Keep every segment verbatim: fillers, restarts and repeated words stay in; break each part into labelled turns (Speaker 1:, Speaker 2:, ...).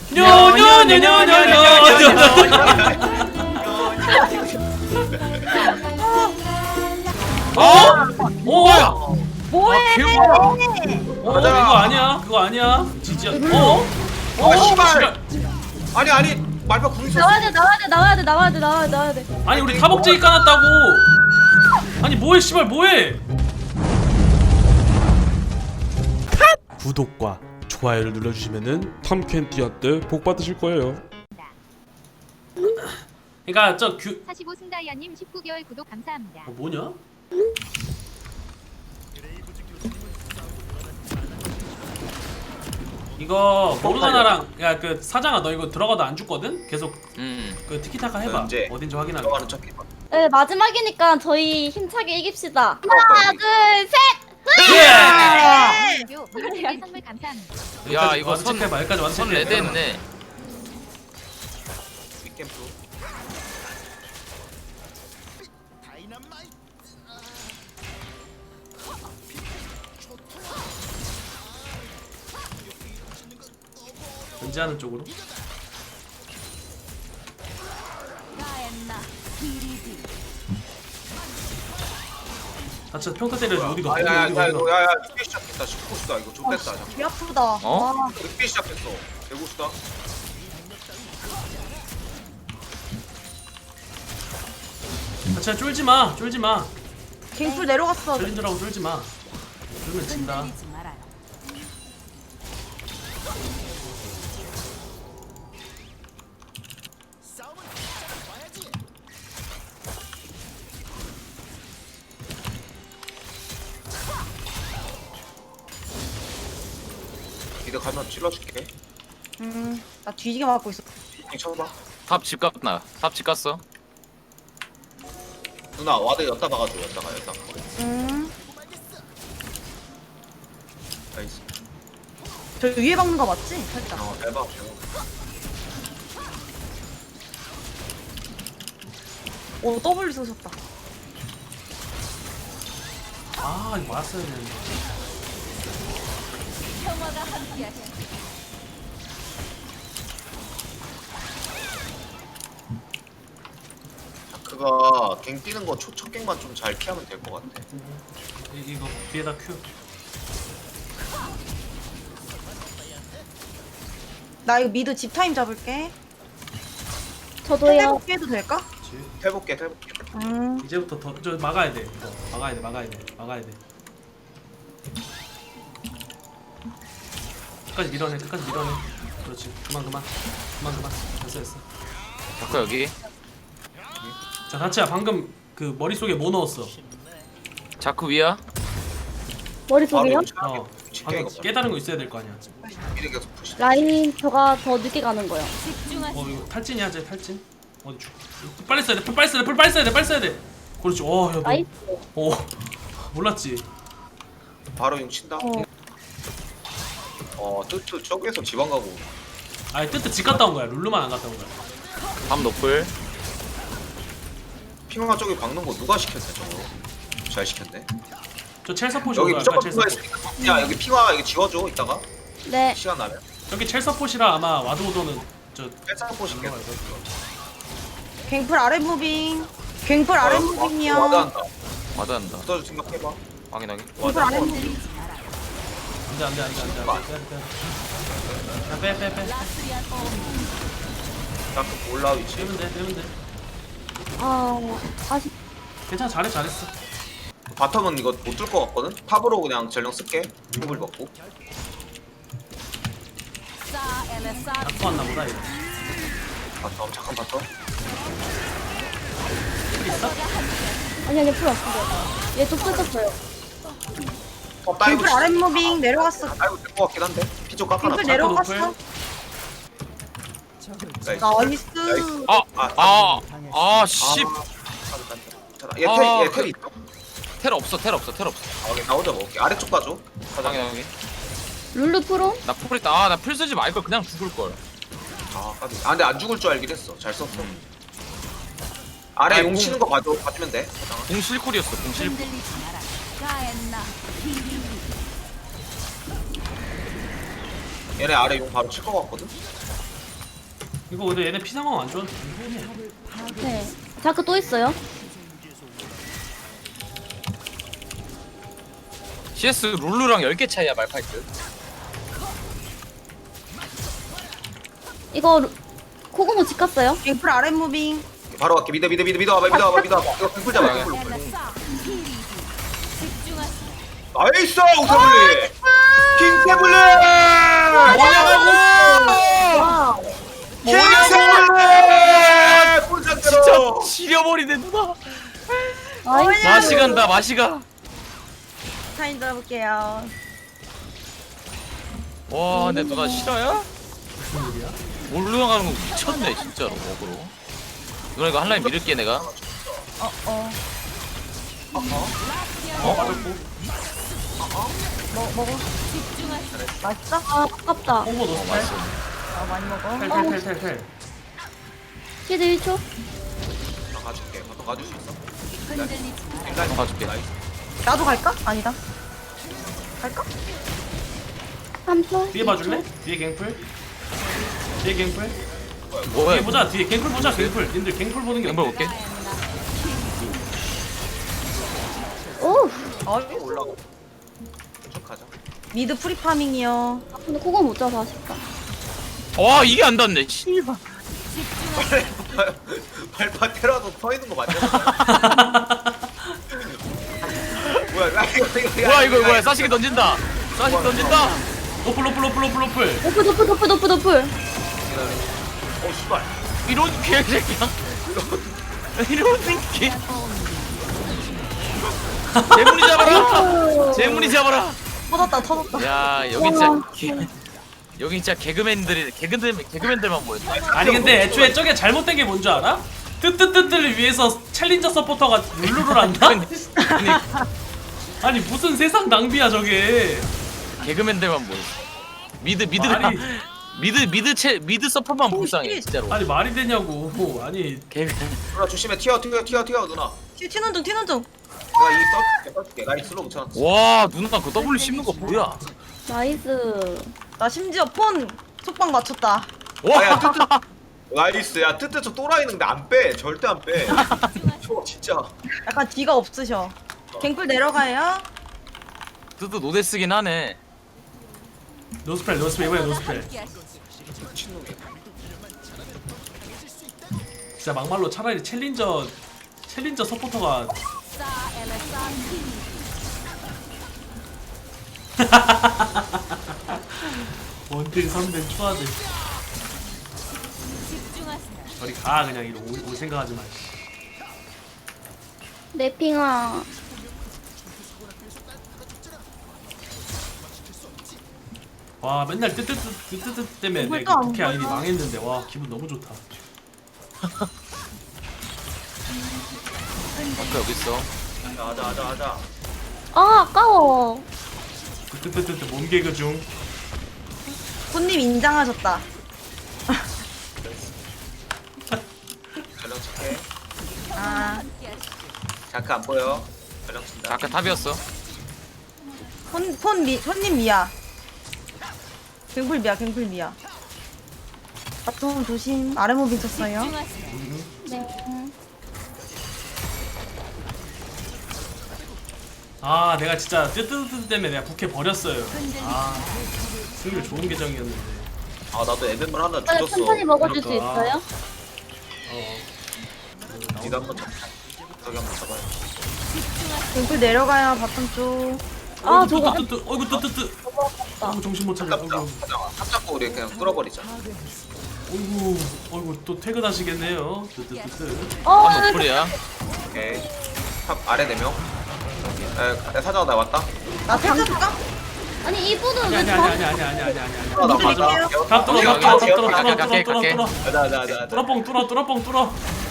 Speaker 1: 어? 뭐야?
Speaker 2: 뭐해?
Speaker 1: 어 그거 아니야 그거 아니야 지지야. 어?
Speaker 3: 어 씨발.
Speaker 1: 씨발.
Speaker 3: 아니 아니 말파 궁 있었어.
Speaker 2: 나와야 돼, 나와야 돼, 나와야 돼, 나와야 돼, 나와야 돼, 나와야 돼.
Speaker 1: 아니 우리 타복제기 까놨다고. 아니 뭐해 씨발 뭐해? 구독과 좋아요를 눌러주시면은 탐켄티아 때 복 받으실 거예요. 그러니까 저 규.
Speaker 4: 사십오 승다이아님 십구 개월 구독 감사합니다.
Speaker 1: 어, 뭐냐? 이거 모르가나랑 야 그 사장아 너 이거 들어가도 안 죽거든? 계속
Speaker 5: 음.
Speaker 1: 그 티키타카 해봐.
Speaker 3: 언제?
Speaker 1: 어딘지 확인하게.
Speaker 3: 들어가는 척 해봐.
Speaker 2: 네, 마지막이니까 저희 힘차게 이깁시다.
Speaker 3: 그럴 거야,
Speaker 2: 하나,
Speaker 3: 우리.
Speaker 2: 둘, 셋.
Speaker 1: 예!
Speaker 4: 요 미니게임 선물 감사합니다.
Speaker 5: 야,
Speaker 1: 여기까지
Speaker 5: 이거
Speaker 1: 와서
Speaker 5: 선-
Speaker 1: 체크해봐. 여기까지 와서
Speaker 5: 선
Speaker 1: 체크해.
Speaker 5: 레드 했네.
Speaker 3: 윗캠프.
Speaker 1: 견제하는 쪽으로. 다쳐 평타 때려줘. 어디가? 어디가?
Speaker 3: 아야야야
Speaker 1: 어디가?
Speaker 3: 이거 야야 빅비 시작했다. 십구수다 이거 좀 뺐다. 잠깐.
Speaker 2: 배 아프다.
Speaker 5: 어?
Speaker 2: 와.
Speaker 3: 빅비 시작했어. 백구수다.
Speaker 1: 다쳐 쫄지 마. 쫄지 마.
Speaker 2: 갱풀 내려갔어.
Speaker 1: 쫄린다라고 쫄지 마. 쫄면 진다.
Speaker 3: 이들 가면 찔러줄게.
Speaker 2: 음, 나 뒤지게 맞고 있어.
Speaker 3: 이 쳐봐.
Speaker 5: 탑 집 갔나? 탑 집 갔어?
Speaker 3: 누나 와드 였다 박아줘. 였다가 였다가.
Speaker 2: 음,
Speaker 3: 나이스.
Speaker 2: 저 위에 박는 거 맞지? 살짝.
Speaker 3: 어 대박.
Speaker 2: 오, W 쏘셨다.
Speaker 1: 아 이거 맞았어야 되는데.
Speaker 3: 그가 갱 뛰는 거 첫 갱만 좀 잘 피하면 될 것 같아.
Speaker 1: 이, 이거 뒤에다 큐.
Speaker 6: 나 이거 미드 집 타임 잡을게.
Speaker 2: 저도요.
Speaker 6: 해볼게 해도 될까?
Speaker 1: 그렇지.
Speaker 3: 해볼게 해볼게.
Speaker 6: 음.
Speaker 1: 이제부터 더 저 막아야 돼. 이거. 막아야 돼. 막아야 돼. 막아야 돼. 끝까지 밀어내. 끝까지 밀어내. 그렇지. 그만 그만. 그만 그만. 됐어 됐어.
Speaker 5: 자꾸 여기.
Speaker 1: 자 다치야 방금 그 머릿속에 뭐 넣었어?
Speaker 5: 자꾸 위야.
Speaker 2: 머릿속이요?
Speaker 1: 어.
Speaker 3: 진짜
Speaker 1: 방금
Speaker 3: 이거
Speaker 1: 깨달은 거 있어야 될 거 아니야.
Speaker 3: 미리 계속 푸시.
Speaker 2: 라인 저가 더 늦게 가는 거요.
Speaker 1: 어 이거 탈진이야 쟤 탈진. 어디 죽. 빨리 써야 돼. 풀 빨리 써야 돼. 풀 빨리 써야 돼. 빨리 써야 돼. 그렇지. 어 야 너.
Speaker 2: 나이스.
Speaker 1: 어 몰랐지.
Speaker 3: 바로 용 친다.
Speaker 2: 어.
Speaker 3: 어 뜨트 저기에서 지방 가고.
Speaker 1: 아니 뜨뜻 집 갔다 온 거야. 룰루만 안 갔다 온 거야.
Speaker 5: 탑 노플.
Speaker 3: 핑화 저기 박는 거 누가 시켰대 저거? 잘 시켰네.
Speaker 1: 저 첼서포시
Speaker 3: 여기
Speaker 1: 올라갈까?
Speaker 3: 무조건
Speaker 1: 첼서포.
Speaker 3: 핑화 있으니까. 야 여기 핑화 이거 지워줘 이따가
Speaker 2: 네.
Speaker 3: 시간 나면.
Speaker 1: 여기 첼서포시라 아마 와드 오더는 저
Speaker 3: 뺄사포 시켰.
Speaker 6: 갱플 아래 무빙. 갱플 아래 무빙이야.
Speaker 3: 와드 한다.
Speaker 5: 와드한다.
Speaker 3: 붙어줄 생각해봐.
Speaker 5: 확인하게.
Speaker 6: 갱플 아래 무빙.
Speaker 1: 안돼 안돼 안돼 안돼 안돼 빼빼빼
Speaker 3: 나그 올라 위치.
Speaker 1: 빼면 돼 빼면 돼
Speaker 2: 아, 아쉽.
Speaker 1: 괜찮아 잘해 잘했어.
Speaker 3: 바텀은 이거 못 뚫 것 같거든? 탑으로 그냥 전령 쓸게. 탑을 먹고.
Speaker 1: 낙포 왔나 보다 이거.
Speaker 3: 바텀 잠깐 바텀.
Speaker 1: 풀 있어?
Speaker 2: 아니 아니 풀 왔습니다. 얘또 뜯었어요.
Speaker 3: 어 다이브.
Speaker 6: 갱플 아래 무빙 내려갔어.
Speaker 3: 다이브 될것 같긴 한데. 피좀 깎아놔.
Speaker 6: 갱플 내려갔어.
Speaker 3: 나이스.
Speaker 6: 나이스.
Speaker 5: 아,
Speaker 3: 아,
Speaker 5: 아, 아, 씨.
Speaker 3: 얘
Speaker 5: 아,
Speaker 3: 텔, 얘
Speaker 5: 그-
Speaker 3: 텔이 있어?
Speaker 5: 텔 없어, 텔 없어, 텔 없어.
Speaker 3: 아, 나 혼자 먹을게. 아래쪽 가줘. 가자.
Speaker 5: 확인하게.
Speaker 2: 룰루 프로?
Speaker 5: 나 풀 있다. 아, 나 풀 쓰지 말걸 그냥 죽을 걸.
Speaker 3: 아, 까비. 아, 근데 안 죽을 줄 알긴 했어. 잘 썼어. 아래
Speaker 5: 아니,
Speaker 3: 용
Speaker 5: 공-
Speaker 3: 치는 거 봐줘. 봐주면 돼.
Speaker 5: 공 실쿨이었어, 공 실쿨.
Speaker 3: 얘네 아래 용 바로 칠 거 같거든?
Speaker 1: 이거 근데 얘네 피 상황 안 좋은데
Speaker 2: 네. 자크 또 있어요?
Speaker 5: 씨에스 룰루랑 열 개 차이야 말파이트.
Speaker 2: 이거 루- 코고모 집 갔어요?
Speaker 6: 갱플 아랫 무빙.
Speaker 3: 바로 갈게. 미드 미드 미드 미드 와봐 미드 와봐 미드 와봐. 이거 갱플 잡아 갱플. 나이스 우사블리. 킹세블리.
Speaker 5: 뭐냐고!
Speaker 2: 와.
Speaker 3: 킹세블리. 꿀
Speaker 5: 진짜
Speaker 3: 상태로.
Speaker 5: 지려버리네 누나.
Speaker 2: 나이스.
Speaker 5: 맛이 간다 맛이 가.
Speaker 6: 타임 들어볼게요.
Speaker 5: 와 근데 누나 실화야?
Speaker 1: 무슨 일이야?
Speaker 5: 몰루 가는 거 미쳤네 진짜로 먹으로. 누나 이거 한 라인 밀을게 내가.
Speaker 6: 어 어.
Speaker 1: 어 빠졌고
Speaker 6: 뭐 먹어. 맛있어?
Speaker 2: 아, 아깝다.
Speaker 1: 홍보 넣었어
Speaker 5: 맛있어.
Speaker 6: 아 많이 먹어.
Speaker 1: 텔텔텔텔텔
Speaker 2: 시드 일 초.
Speaker 3: 나 가줄게. 너 가줄 수 있어?
Speaker 5: 한번 가줄게.
Speaker 6: 나도 갈까? 아니다. 갈까?
Speaker 2: 삼 초.
Speaker 1: 뒤에 봐줄래? 뒤에 갱플 뒤에 갱플
Speaker 5: 뭐야
Speaker 1: 뒤에
Speaker 5: 이거?
Speaker 1: 보자 뒤에 갱플 보자 갱플 님들 갱플 보는 게
Speaker 5: 갱벌
Speaker 1: 어때?
Speaker 5: 볼게.
Speaker 2: 오.
Speaker 6: 어.
Speaker 3: 올라가. 쭉 가자.
Speaker 6: 미드 프리파밍이요.
Speaker 2: 아, 근데 코고모 못 잡아 아쉽다.
Speaker 5: 와 이게 안 닿네. 씨발.
Speaker 3: 발파 테라도 서 있는 거 맞냐? 뭐야 나 이거 이거
Speaker 5: 뭐야 이거 뭐야 사시게 던진다. 사시게 던진다.
Speaker 1: 노플 노플 노플 노플 노플
Speaker 2: 노플 노플 노플 노플 노플.
Speaker 3: 어 씨발.
Speaker 5: 이런 개새끼야. 이런 새끼. 재문이 잡아라. 재문이 잡아라.
Speaker 6: 터졌다 터졌다.
Speaker 5: 야 여기 진짜 개, 여기 진짜 개그맨들이 개그맨 개그맨들만 모였다.
Speaker 1: 아니 근데 애초에 저게 잘못된 게 뭔지 알아? 뜨뜨뜨뜨를 위해서 챌린저 서포터가 룰루를 한다?
Speaker 5: 아니,
Speaker 1: 아니 무슨 세상 낭비야 저게
Speaker 5: 개그맨들만 모였어. 미드 미드가
Speaker 1: 말이-
Speaker 5: 미드 미드 채 미드 서퍼만 불쌍해 진짜로.
Speaker 1: 아니 말이 되냐고 아니
Speaker 5: 개그.
Speaker 3: 누나 조심해. 튀어 튀어 튀어 튀어 누나.
Speaker 6: 튀- 튀는 중 튀는 중.
Speaker 3: 내가 이 써줄게 써줄게. 나이 슬로우 붙여놨어.
Speaker 5: 와 누나 그 W 씹는 거 뭐야?
Speaker 2: 나이스.
Speaker 6: 나 심지어 폰 속박 맞췄다.
Speaker 3: 아야
Speaker 5: 와.
Speaker 3: 뜨뜨. 나이스. 야 뜨뜨 저 또라이 있는데 안 빼. 절대 안 빼. 저 진짜.
Speaker 6: 약간 뒤가 없으셔. 갱플 내려가요.
Speaker 5: 뜨드 노데 쓰긴 하네.
Speaker 1: 노스펠 노스펠 이번에 노스펠
Speaker 3: 미친놈이야.
Speaker 1: 진짜 막말로 차라리 챌린저 챌린저 서포터가 원딜 선된 추하들 저리 가 그냥 이러 올, 올 생각하지 마 씨.
Speaker 2: 내 핑아.
Speaker 1: 와 맨날 뜨뜨뜨 뜨뜨뜨 때문에
Speaker 6: 이걸
Speaker 1: 내가
Speaker 6: 또안
Speaker 1: 국회 아이디
Speaker 6: 보여.
Speaker 1: 망했는데 와 기분 너무 좋다
Speaker 5: 아까 여기 있어.
Speaker 3: 하자 하자 하자.
Speaker 2: 아, 아까워.
Speaker 1: 뜨뜨뜨뜨 몸 개그 중
Speaker 6: 손님 인장하셨다.
Speaker 3: 전령 칠게.
Speaker 6: 아
Speaker 3: 자크 안 보여. 전령 친다.
Speaker 5: 아까 탑이었어.
Speaker 6: 폰, 폰 미, 손님 미야. 갱플 미야, 갱플 미야. 바텀 조심. 아래 무빙 쳤어요.
Speaker 2: 네.
Speaker 1: 아 내가 진짜 뜨뜨뜨 때문에 내가 국회 버렸어요 아 승률 좋은 계정이었는데
Speaker 3: 아 나도 에벤물 하나
Speaker 2: 아,
Speaker 3: 주웠어.
Speaker 2: 천천히 먹어줄 수
Speaker 1: 그러니까.
Speaker 2: 있어요?
Speaker 1: 어
Speaker 3: 니가 한번 잡자. 저기 한번 잡아요.
Speaker 6: 갱플 내려가요, 바텀 쪽.
Speaker 2: 아,
Speaker 1: 어이구,
Speaker 2: 저거
Speaker 1: 뜨뜨뜨 어이구 뜨뜨뜨 어이구 정신 못 차려
Speaker 3: 잡자.
Speaker 1: 어이구
Speaker 3: 하자. 탑 잡고 우리 그냥 끌어버리자.
Speaker 1: 어이구 어이구 또 퇴근하시겠네요 뜨뜨뜨뜨
Speaker 2: 어,
Speaker 5: 한 노플이야.
Speaker 3: 오케이. 탑 아래 네 명. 에 사장 나 왔다.
Speaker 6: 나 살짝까?
Speaker 2: 아니, 이분은
Speaker 1: 아니
Speaker 2: 왜
Speaker 1: 아니
Speaker 2: 저...
Speaker 1: 아니 아니 아니 아니 아니 아니
Speaker 3: 아, 나
Speaker 6: 미드
Speaker 3: 맞아.
Speaker 6: 밀게요.
Speaker 1: 탑 뚫어
Speaker 5: 오케이,
Speaker 1: 탑 뚫어 탑
Speaker 5: 오케이,
Speaker 1: 뚫어
Speaker 5: 오케이,
Speaker 1: 뚫어
Speaker 5: 갈게,
Speaker 1: 뚫어
Speaker 5: 갈게,
Speaker 1: 뚫어
Speaker 5: 갈게.
Speaker 3: 가자 가자 가자.
Speaker 1: 뚫어뻥 뚫어 뚫어뻥 뚫어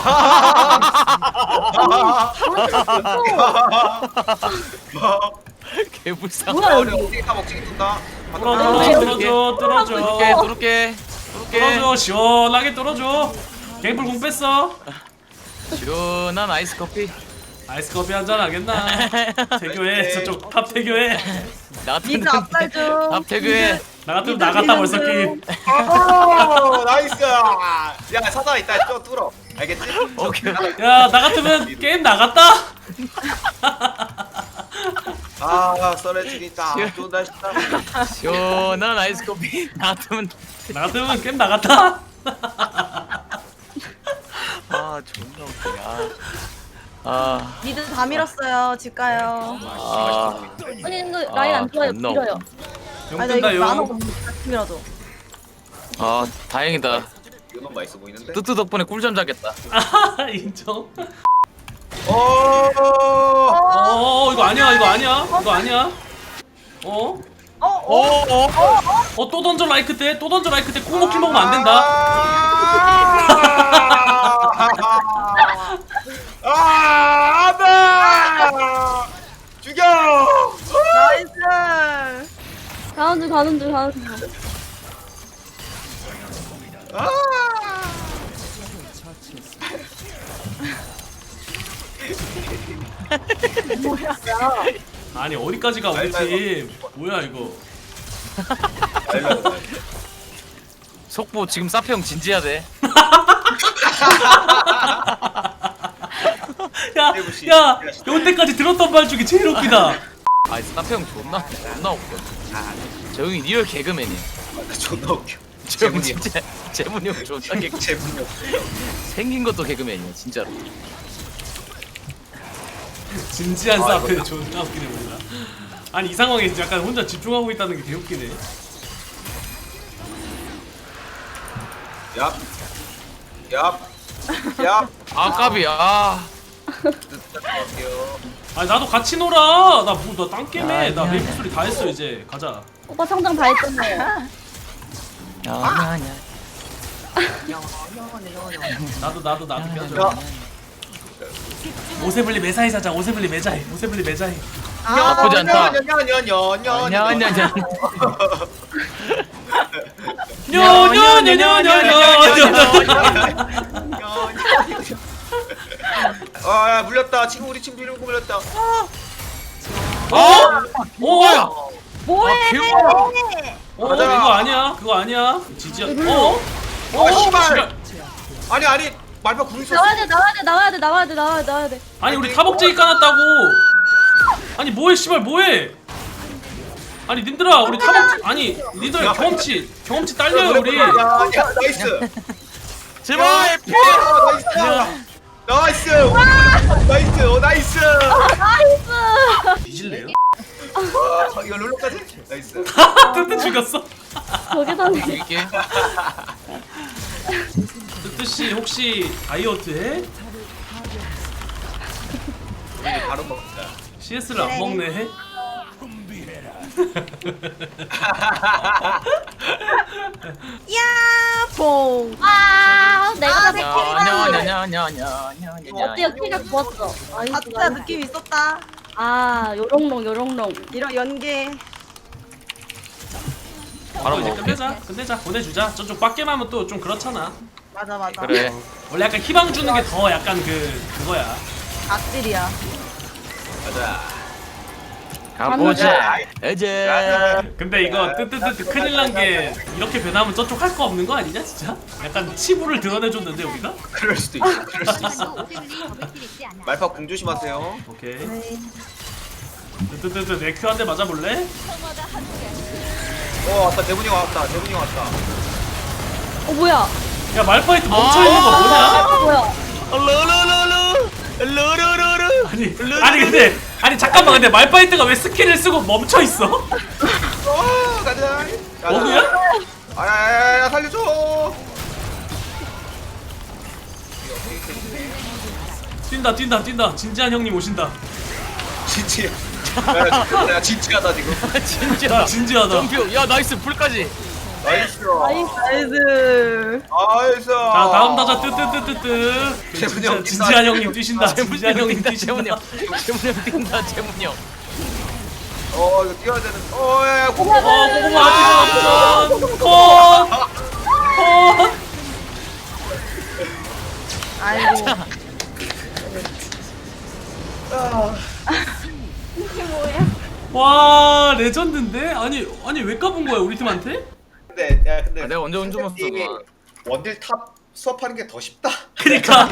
Speaker 5: 개불쌍.
Speaker 2: 뭐야,
Speaker 3: 우리
Speaker 2: 여기.
Speaker 3: 어디 다 먹지 뜬다.
Speaker 1: 뚫어
Speaker 2: 뚫어,
Speaker 1: 뚫어줘 뚫어줘
Speaker 5: 뚫을게
Speaker 1: 뚫어줘
Speaker 5: 뚫을게 뚫을게.
Speaker 1: 뚫어줘 시원하게 뚫어줘 갱플 공 뺐어
Speaker 5: 시원한 아이스 커피.
Speaker 1: 아이스 커피 한잔 하겠나 태교해 저쪽 탑 태교해
Speaker 5: 나 같은
Speaker 6: 미드 앞살 좀.
Speaker 5: 탑 태그해.
Speaker 1: 나 같으면 나갔다 벌써 게임
Speaker 3: 오 나이스. 야 사다 이따 좀 뚫어. 알겠지?
Speaker 5: 오케이.
Speaker 1: 야 나 같으면 게임 나갔다.
Speaker 3: 아 썰어지니까 좋다 싶다.
Speaker 5: 시원한 아이스 커피 나왔으면.
Speaker 1: 나 같으면 게임 나갔다.
Speaker 5: 아 존나 웃기야. 아.
Speaker 6: 미드 다 밀었어요. 집 가요.
Speaker 5: 아.
Speaker 2: 아니 이거 라인 안 좋아요.
Speaker 5: 존나
Speaker 2: 밀어요.
Speaker 1: 용
Speaker 6: 아니 나 이거
Speaker 1: 뜬다
Speaker 6: 나눠
Speaker 1: 용.
Speaker 6: 같이 밀어도.
Speaker 5: 아 다행이다.
Speaker 3: 이건 맛있어 보이는데?
Speaker 5: 뜨뜨 덕분에 꿀잠 자겠다.
Speaker 1: 아 인정.
Speaker 3: 오.
Speaker 1: 어 이거 아니야 이거 아니야 이거 아니야. 어?
Speaker 6: 어? 어?
Speaker 5: 어? 어?
Speaker 1: 어 또 던져 라이크 때 또 던져 라이크 때 콩먹기 먹으면 안 된다.
Speaker 3: 아, 안돼! 죽여!
Speaker 6: 나이스.
Speaker 2: 가는 중 가는 중 가는 중.
Speaker 3: 아!
Speaker 1: 아니 어디까지 가 우리
Speaker 3: 아이고, 아이고.
Speaker 1: 팀. 뭐야 이거.
Speaker 5: 속보 지금 사페 형 진지해야 돼.
Speaker 1: 야, 야, 여태까지 들었던 말 중에 제일 웃기다.
Speaker 5: 아 사페 형 존나 존나 웃겨. 저 형이 리얼 개그맨이야.
Speaker 3: 존나 웃겨.
Speaker 5: 저 형
Speaker 3: 재문이 형.
Speaker 5: 진짜 재문이 형 존나 개그.
Speaker 3: 재문이 형.
Speaker 5: 생긴 것도 개그맨이야 진짜로.
Speaker 1: 진지한
Speaker 3: 아,
Speaker 1: 사페
Speaker 3: 이거.
Speaker 1: 존나 웃기네 뭔가. 아니 이 상황에 약간 혼자 집중하고 있다는 게 개웃기네.
Speaker 3: 얍. 얍. 얍.
Speaker 5: 아 까비 아.
Speaker 3: 할게요.
Speaker 1: 아니 나도 같이 놀아. 나뭐나 딴게임해. 나
Speaker 5: 아니야.
Speaker 1: 메이플 소리 다 했어 이제. 가자.
Speaker 2: 오빠 성장 다 했잖아요.
Speaker 5: 아니야 아니야.
Speaker 1: 나도 나도 나도 껴줘.
Speaker 3: 야.
Speaker 1: 오세블리 매사에 자자. 오세블리 매자해. 오세블리 매자해.
Speaker 5: 나쁘지 않다.
Speaker 3: 냐냐냐냐냐.
Speaker 5: 아니야 아니야 아니야.
Speaker 1: 뇨뇨뇨뇨뇨뇨뇨.
Speaker 3: 아, 야, 물렸다. 친구 우리 친구 이러고 물렸다.
Speaker 1: 어?
Speaker 5: 뭐야?
Speaker 1: 어?
Speaker 6: 뭐해?
Speaker 5: 아, 귀여워.
Speaker 1: 어?
Speaker 3: 맞아.
Speaker 1: 이거 아니야. 그거 아니야. 지지야. 어?
Speaker 3: 아, 씨발.
Speaker 1: 씨발.
Speaker 3: 아니 아니 말파 궁 있었어.
Speaker 2: 나와야 돼 나와야 돼 나와야 돼 나와야 돼 나와야 돼 나와야 돼.
Speaker 1: 아니 우리 타복제기 까놨다고. 아니 뭐해 씨발 뭐해. 아니 님들아 우리 타복 아니 니들 경험치 경험치 딸려요 우리.
Speaker 3: 야, 야, 나이스.
Speaker 5: 제발 피.
Speaker 3: 야, 나이스. 나이스. 나이스. 오, 나이스.
Speaker 2: 나이스.
Speaker 1: 뒤질래요?
Speaker 3: 아, 이거 룰루까지? 나이스.
Speaker 1: 뜨뜻 죽였어.
Speaker 2: 저게 다네.
Speaker 5: 이게
Speaker 1: 뜨뜻씨 혹시 다이어트 해?
Speaker 3: 우리 바로 먹자.
Speaker 1: 씨에스를 안 먹네 해?
Speaker 6: 야, 봉.
Speaker 2: 아 내가 다
Speaker 5: 냐냐냐냐냐냐냐.
Speaker 2: 어때요? 키가 좋았어. 아이
Speaker 6: 아, 진짜 느낌 있었다.
Speaker 2: 아 요롱롱 요롱롱.
Speaker 6: 이런 연계.
Speaker 1: 바로 이제
Speaker 5: 먹을게.
Speaker 1: 끝내자 끝내자 보내주자. 저쪽 빡게임 하면 또 좀 그렇잖아.
Speaker 6: 맞아, 맞아.
Speaker 5: 그래.
Speaker 1: 원래 약간 희망 주는 게 더 약간 그 그거야.
Speaker 6: 악질이야.
Speaker 3: 가자.
Speaker 5: 가보자. 이제.
Speaker 1: 근데 이거 뜨뜨뜨뜨 큰일 난 게 이렇게 변하면 저쪽 할 거 없는 거 아니냐 진짜? 약간 치부를 드러내줬는데 우리가?
Speaker 3: 그럴 수도 있어. 그럴 수도 있어.
Speaker 4: 감사도 오세블리 더블킬 있지 않아.
Speaker 3: 말파 궁 조심하세요.
Speaker 1: 오케이.
Speaker 6: 네.
Speaker 1: 뜨뜨뜨뜨 내 큐 한 대 맞아볼래?
Speaker 3: 어, 왔다. 대문이 왔다. 대문이 왔다.
Speaker 2: 어 뭐야?
Speaker 1: 야 말파이트 멈춰있는 거 뭐냐?
Speaker 2: 아 뭐야?
Speaker 5: 루루루루. 루루루루.
Speaker 1: 아니 아니 근데 아니 잠깐만 근데 말파이트가 왜 스킬을 쓰고 멈춰있어?
Speaker 3: 어, 가자.
Speaker 1: 어그야?
Speaker 3: 아야야야 살려줘.
Speaker 1: 뛴다 뛴다 뛴다 진지한 형님 오신다.
Speaker 3: 진지. 야, 야, 진지하다 지금.
Speaker 5: 진짜.
Speaker 1: 진지하다.
Speaker 5: 점프. 야 나이스 불까지.
Speaker 3: 나이스.
Speaker 2: 나이스.
Speaker 6: 나이스.
Speaker 3: 나이스.
Speaker 1: 자 다음 타자 뜨뜨뜨뜨뜨.
Speaker 3: 재문이 형
Speaker 1: 진짜 진지한 형님 뛰신다.
Speaker 5: 재문이
Speaker 1: 진지한 형님
Speaker 5: 뛴다.
Speaker 1: 뛰신다.
Speaker 5: 재문이 형. 재문이 형 뛴다. 재문이 형.
Speaker 3: 어, 이거 뛰어야 되는. 어, 야, 야, 고고.
Speaker 1: 어 고구마 뛰어 컷! 컷!
Speaker 6: 아이고.
Speaker 2: 이게 뭐야?
Speaker 1: 와 레전드인데? 아니 아니 왜 까본 거야 우리 팀한테?
Speaker 3: 근데 야, 근데
Speaker 5: 아, 내가 언제 운전
Speaker 3: 이
Speaker 5: 먹었어?
Speaker 3: 원딜 탑 수업하는 게 더 쉽다.
Speaker 1: 그니까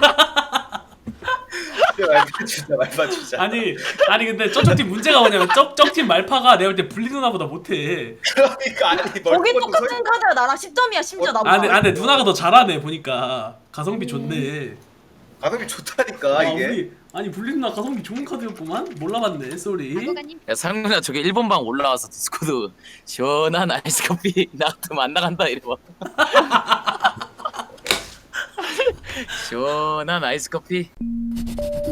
Speaker 3: 진짜 말파 진짜 말파 진짜.
Speaker 1: 아니 아니 근데 저쪽 팀 문제가 뭐냐면 저쪽 팀 말파가 내가 볼 때 블리 누나보다 못해.
Speaker 3: 그러니까 아니
Speaker 6: 거기
Speaker 3: 멀티버튼
Speaker 6: 똑같은 카드야 나랑 십 점이야 심지어
Speaker 3: 어,
Speaker 6: 나보다.
Speaker 1: 아 근데, 아 근데 누나가 더 잘하네 보니까. 가성비 좋네.
Speaker 3: 가격이 좋다니까
Speaker 1: 아,
Speaker 3: 이게.
Speaker 1: 우리 아니 블리 누나 가성비 좋은 카드였구만. 몰라봤네. 쏘리.
Speaker 4: 아고가님
Speaker 5: 야 상민아 저기 일본 방 올라와서 디스코드 시원한 아이스 커피 나한테 안 나간다 이래봐. 시원한 아이스 커피.